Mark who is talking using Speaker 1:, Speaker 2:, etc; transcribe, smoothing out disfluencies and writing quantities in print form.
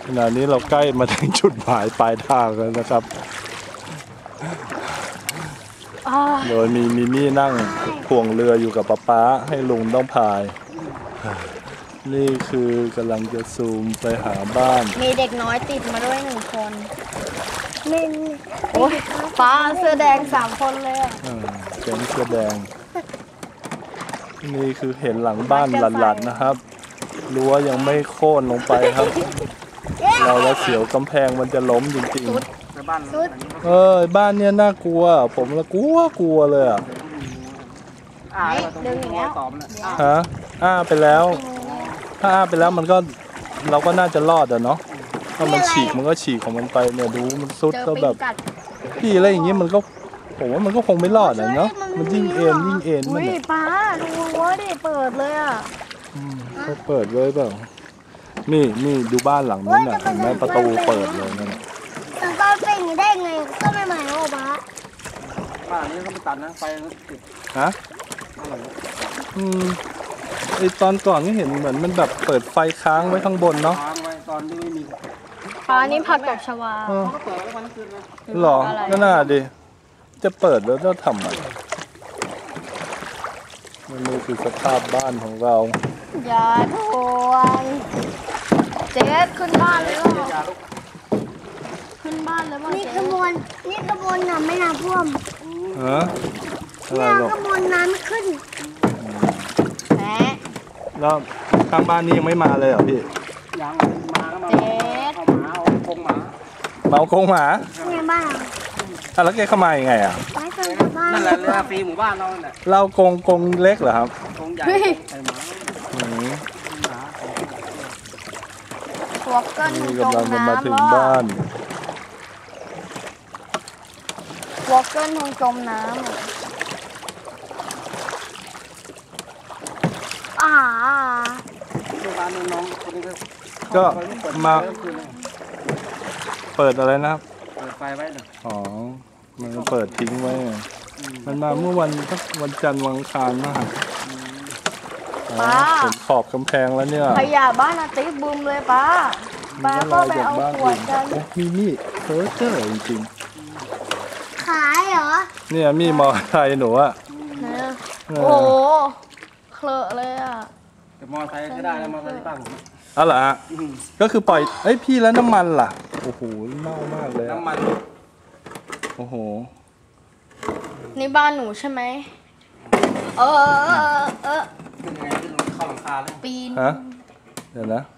Speaker 1: ขณะนี้เราใกล้มาถึงจุดหมายปลายทางแล้วนะครับโดยมีมิมี่นั่งพ่วงเรืออยู่กับป๊าให้ลุงต้องพาย นี่คือกำลังจะซูมไปหาบ้าน
Speaker 2: มีเด็กน้อยติดมาด้วย1 คน
Speaker 3: เป็น
Speaker 2: โอ้ยฟ้าเสื้อแดง3 คนเลยอ่ะ
Speaker 1: แก๊งเสื้อแดงนี่คือเห็นหลังบ้านหลัดๆนะครับรั้วยังไม่โค่นลงไปครับเราแล้วเสียวกำแพงมันจะล้มจริง
Speaker 3: ๆ
Speaker 1: บ้านเนี้ยน่ากลัวผมละกลัวเลยอ่ะ
Speaker 2: ดึงอย่างเงี้ย
Speaker 1: ฮะไปแล้วถ้าไปแล้วมันก็เราก็น่าจะรอดอ่ะเนาะถ้ามันฉีกมันก็ฉีกของมันไปเนี่ยดูมันซุดก็แบบพี่อะไรอย่างเงี้ยมันก็ผมว่ามันก็คงไม่รอดอ่ะเนาะมันยิ่งเอ็นมัน
Speaker 2: เนี่ยป้าดูว่าดิเปิดเลยอ่ะ
Speaker 1: เขาเปิดเลยเปล่านี่ดูบ้านหลังนั้นน่ะเห็นไหมประตูเปิดเลยนั่น
Speaker 3: แต่ตอนเป็นได้ไงก็ไม่หมายว่าบ้
Speaker 4: านนี้เขาไม่ตัดนะไฟมันติด
Speaker 1: ฮะไอตอนก่อนก็เห็นเหมือนมันแบบเปิดไฟค้างไว้ข้างบนเนาะ
Speaker 4: ค้างไว้ตอนที่ไม่มี
Speaker 2: นี่ผักตบชวา
Speaker 4: เขาก็เปิดไว้วันคืนเลย
Speaker 1: หรอก็น่าดิจะเปิดแล้วจะทำอะไรนี่คือสภาพบ้านของเรา
Speaker 2: อย่าทวงเจ๊ขึ้นบ้านเลยหรอขึ้นบ้านเลยมั้ง
Speaker 3: นี่ขบวนน่ะไม่น้ำท่วม
Speaker 1: อะไรหรอ
Speaker 3: ขบวนน้ำไม่ขึ้น
Speaker 1: แล้วข้างบ้านนี้ยังไม่มาเลยเหรอพี่
Speaker 4: ยังมาก็มาเอาหมาเอากรงหมา
Speaker 1: เอากรงหมา
Speaker 3: ในบ้าน
Speaker 1: แล้วแกเข้ามายังไงอ่ะ
Speaker 3: ไม่เคยกลับบ้าน
Speaker 4: นั่นแหละเรือฟรีหมู่บ้านเราเนี่ย
Speaker 1: เรากรงเล็กเหรอครับ
Speaker 4: กรงใหญ่ใส่หมา
Speaker 2: ตัวเกิน
Speaker 1: กำลังจะมาถึงบ้าน
Speaker 2: วอลเกิลคงจมน้ำ
Speaker 1: ก็มาเปิดอะไรนะครับ
Speaker 4: เปิดไฟไว้หน่อย
Speaker 1: อ๋อมันเปิดทิ้งไว้มันมาเมื่อวันจันทร์วันอังคารมากเห็นขอบกำแพงแล้วเนี่ย
Speaker 2: ขยะบ้านอาติ๊กบูมเลยป้าก็ไปเอาขวดกัน
Speaker 1: มีเพ้อเจ้อจริง
Speaker 3: ขายเหรอ
Speaker 1: เนี่ยมีมอไซค์หนูอะ
Speaker 2: โอ้เคลอะเลยอะ
Speaker 4: แต่มอไซค์ก็ได้แล้วมอไซค์ตั้ง
Speaker 1: เหรอก็คือปล่อยพี่แล้วน้ำมันล่ะโอ้โหเน่ามากเลย
Speaker 4: น้ำมัน
Speaker 1: โอ้โห
Speaker 2: นี่บ้านหนูใช่ไหม
Speaker 4: เป็นไงที่เราเข้าหลังคาเลย
Speaker 2: ปีน
Speaker 1: ฮะเดี๋ยวนะ